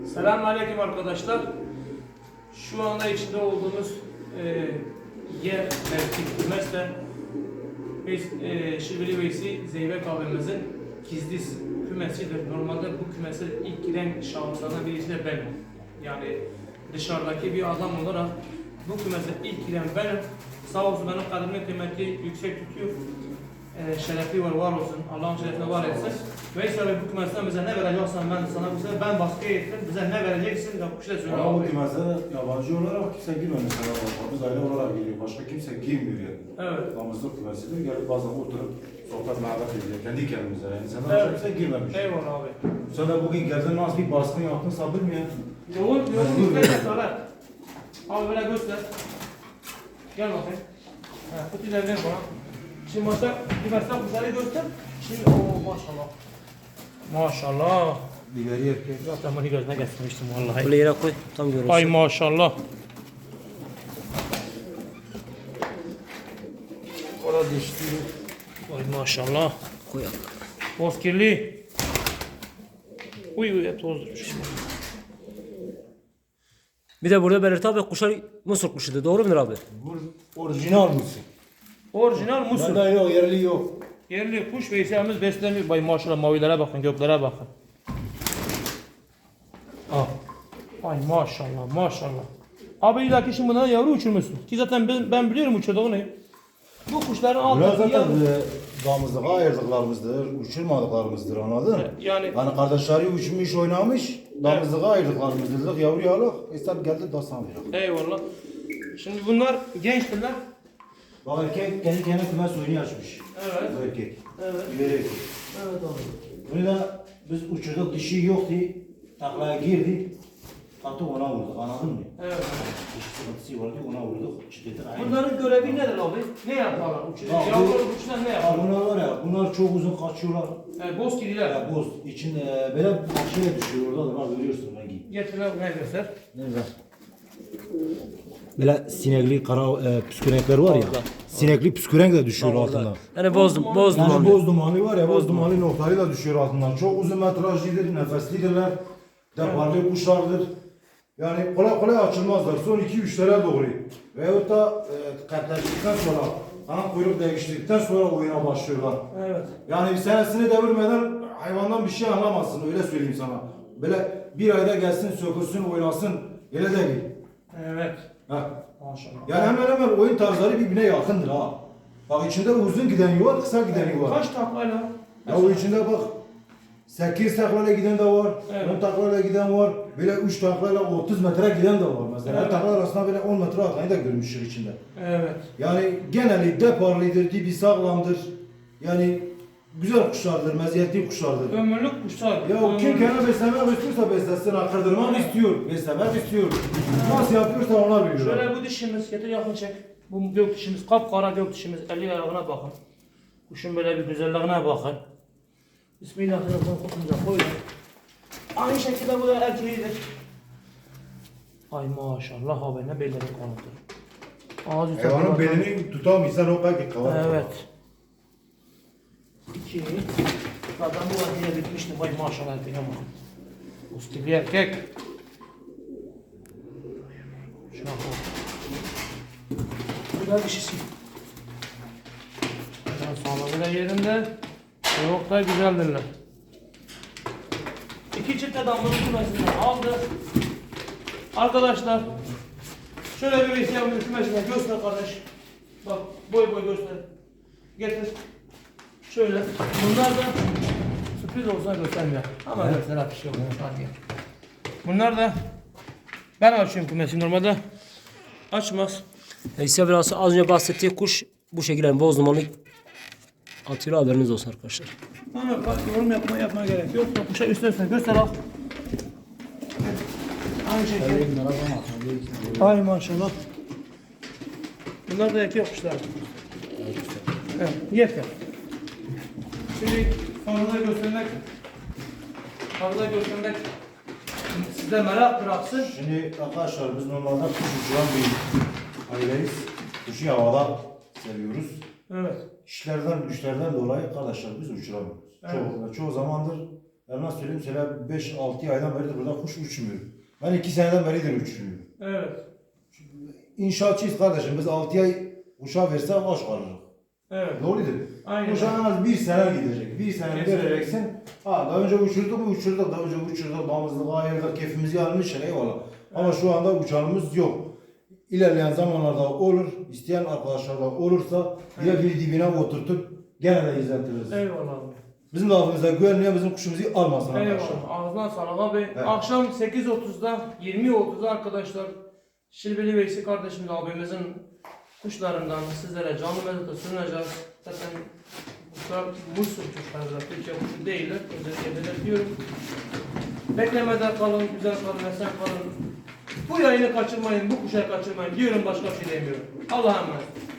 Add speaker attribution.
Speaker 1: Selamünaleyküm arkadaşlar. Şu anda içinde olduğumuz yer mevki kümesle biz Şibili Veysi Zeybek abimizin gizli kümesidir. Normalde bu kümese ilk giren şahıslardan birisi de benim. Yani dışarıdaki bir adam olarak bu kümese ilk giren benim. Sağ olsun benim kadrimin kıymeti yüksek tutuyor. Şerefi var olsun. Allah'ın şerefine var etsin. Veysel Bey bu kümesten bize ne vereceksen ben sana bu sefer ben baskıya ettim. Bize ne vereceksin? Ya bu şey söyle.
Speaker 2: Ama bu kümese yabancı olarak kimse girmiyor mesela. Biz aile olarak geliyor. Başka kimse girmiyor yani.
Speaker 1: Evet.
Speaker 2: Damızlık kümesidir. Gelip bazen oturup sohbet muhabbet ediyor. Kendi kendimize yani. Senden
Speaker 1: Evet.
Speaker 2: kimse girmemiş.
Speaker 1: Eyvallah abi.
Speaker 2: Sen de bugün geldin nasıl bir baskın yaptın sabır mı ya?
Speaker 1: Yoğun göster sonra. Abi böyle göster. Gel bakayım. Kutuyu ver bana. Şimdi maçta kümesten güzeli göster. Şimdi maşallah. Maşallah.
Speaker 2: Biberi erkek.
Speaker 1: Zaten bunu gözüne getirmiştim vallahi.
Speaker 3: Böyle yere koy, tam görürsün.
Speaker 1: Ay maşallah.
Speaker 2: Orada dişli.
Speaker 1: Ay maşallah.
Speaker 3: Koy abi.
Speaker 1: Bozkirli. Uy hep tozdurmuş.
Speaker 3: Bir de burada Berat abi kuşlar Mısır kuşuydu. Doğru mudur abi?
Speaker 2: Bu orijinal mısın?
Speaker 1: Orijinal Musul.
Speaker 2: Bende yok, yerli yok.
Speaker 1: Yerli kuş Veysel'imiz besleniyor. Bay maşallah mavilere bakın, göklere bakın. Ay maşallah maşallah. Abi illaki şimdi bundan yavru uçurmuşsun. Ki zaten ben biliyorum uçurduğunu. Bu kuşların
Speaker 2: Bunlar
Speaker 1: altındaki
Speaker 2: zaten
Speaker 1: yavru.
Speaker 2: damızlığa ayırdıklarımızdır, uçurmadıklarımızdır, anladın mı?
Speaker 1: Yani
Speaker 2: Kardeşleri uçmuş, oynamış, damızlığa ayırdıklarımızdır. Dedik yavru yağlık, İster geldi dastan verir.
Speaker 1: eyvallah. Şimdi bunlar gençtirler.
Speaker 2: Bak erkek kendi kendine kümes oyunu açmış.
Speaker 1: Evet.
Speaker 2: Bu erkek.
Speaker 1: Evet.
Speaker 2: Biberi erkek.
Speaker 1: Evet abi.
Speaker 2: Bunu da biz uçurduk, dişi yoktu. Taklaya girdi. Katı ona vurduk, anladın mı?
Speaker 1: Evet.
Speaker 2: Dişi sıkıntısı vardı, ona vurduk. Çıtırdı.
Speaker 1: Bunların görevi nedir abi? Ne yaparlar?
Speaker 2: Ya,
Speaker 1: Yavrular uçuşlar ne
Speaker 2: Ya
Speaker 1: yapar?
Speaker 2: bunlar var ya, bunlar çok uzun kaçıyorlar.
Speaker 1: Bozkirliler.
Speaker 2: Ya boz, içinde böyle şeye düşüyor orada da var, görüyorsun rengi.
Speaker 1: Getirler ne göster?
Speaker 2: Nerede? Böyle sinekli kara püskürenkler var ya.
Speaker 3: Orada.
Speaker 2: Sinekli püskürenk de düşüyor altından.
Speaker 3: Yani bozdum
Speaker 2: Yani
Speaker 3: abi.
Speaker 2: boz dumanı var ya, boz dumanı noktaları da düşüyor altından. Çok uzun metrajlıdır, nefeslidirler. Deparlı kuşlardır. Yani kolay kolay açılmazlar. Son 2-3'lere doğru. Veyahut da katlaştıktan sonra, ana kuyruk değiştirdikten sonra oyuna başlıyorlar.
Speaker 1: Evet.
Speaker 2: Yani bir senesini devirmeden hayvandan bir şey anlamazsın, öyle söyleyeyim sana. Böyle bir ayda gelsin, sökülsün, oynasın, öyle değil.
Speaker 1: Evet.
Speaker 2: Ha.
Speaker 1: Maşallah.
Speaker 2: Yani hemen hemen oyun tarzları birbirine yakındır ha. Bak içinde uzun gideni var, kısa gideni var.
Speaker 1: Kaç taklayla?
Speaker 2: Ya o içinde bak 8 taklayla giden de var,
Speaker 1: Evet.
Speaker 2: 10 taklayla giden var, böyle 3 taklayla 30 metre giden de var mesela.
Speaker 1: Evet.
Speaker 2: Taklar arasında böyle 10 metre atlayı da görmüştür içinde.
Speaker 1: Evet.
Speaker 2: Yani geneli deparlıdır, dibi sağlamdır. Yani güzel kuşlardır, meziyetli kuşlardır.
Speaker 1: Ömürlük kuşlar.
Speaker 2: Ya kim kendine beslemek istiyorsa beslesin, akırdırmak istiyor, beslemek istiyor. Nasıl yapıyorsa ona biliyor.
Speaker 1: Şöyle bu dişimiz, getir yakın çek. Bu gök dişimiz, kapkara gök dişimiz. Eli ayağına bakın. Kuşun böyle bir güzelliğine bakın. Bismillahirrahmanirrahim. Kutumuza koyun. Aynı şekilde bu da erkeğidir. Ay maşallah abi ne belleri kanıtır. Ağzı
Speaker 2: Hayvanın belini tutamıyorsan o kadar kavar.
Speaker 1: Evet. 2. Zaten bu erkeğe bitmişti. Vay maşallah erkeğe bakın. Uskili erkek. Şuna bak. Bu da dişisi. Sağlığı da yerinde. Yok da güzeldirler. 2 çift adamların kümesinden aldı. Arkadaşlar şöyle bir ihtiyacımın kümesine göster kardeş. Bak boy boy göster. Getir. Şöyle. Bunlar da sürpriz olsa göstermiyor. Ama göster bir şey olmuyor. Hadi. Bunlar da ben açıyorum kümesi normalde. Açmaz.
Speaker 3: İsa biraz az önce bahsettiği kuş bu şekilde yani boz dumanlı atıyor, haberiniz olsun arkadaşlar.
Speaker 1: Ama bak yorum yapmaya gerek yok. Kuşa üstüne göster al. Aynı şekilde. Ay maşallah. Bunlar da erkek kuşlar. Evet, yeter. Şimdi fazla göstermek sizde merak bıraksın.
Speaker 2: Şimdi arkadaşlar biz normalde kuş uçuran bir aileyiz. Kuşu havada seviyoruz.
Speaker 1: Evet.
Speaker 2: İşlerden, güçlerden dolayı arkadaşlar biz uçuramıyoruz.
Speaker 1: Evet.
Speaker 2: Çoğu zamandır Ya nasıl söyleyeyim sana 5-6 aydan beridir burada kuş uçmuyor. Ben 2 seneden beridir uçmuyorum.
Speaker 1: Evet.
Speaker 2: İnşaatçıyız kardeşim. Biz 6 ay kuşa versek aç kalırız.
Speaker 1: Evet.
Speaker 2: Doğrudur.
Speaker 1: Aynen.
Speaker 2: Kuşa en az 1 sene gidecek. 1 sene
Speaker 1: Kesinlikle.
Speaker 2: vereceksin. Ha daha önce uçurduk mu uçurduk. Daha önce uçurduk. Damızlık ayırdık. Keyfimizi almışız. Eyvallah. Ama şu anda uçanımız yok. İlerleyen zamanlarda olur. İsteyen arkadaşlar da olursa bir bir dibine oturtup gene de izletiriz.
Speaker 1: Eyvallah abi.
Speaker 2: Bizim lafımıza güvenmeyen bizim kuşumuzu almasın arkadaşlar.
Speaker 1: Eyvallah. Ağzına sağlık abi.
Speaker 2: Evet.
Speaker 1: Akşam 8.30'da 20.30'da arkadaşlar Şilbili Veysi kardeşimiz abimizin kuşlarından sizlere canlı mezata sunacağız. Zaten kuşlar Musul kuşları da Türkçe kuşu değiller. Özellikle belirtiyorum. Beklemede kalın, güzel kalın, esen kalın. Bu yayını kaçırmayın, bu kuşayı kaçırmayın diyorum, başka bir şey demiyorum. Allah'a emanet.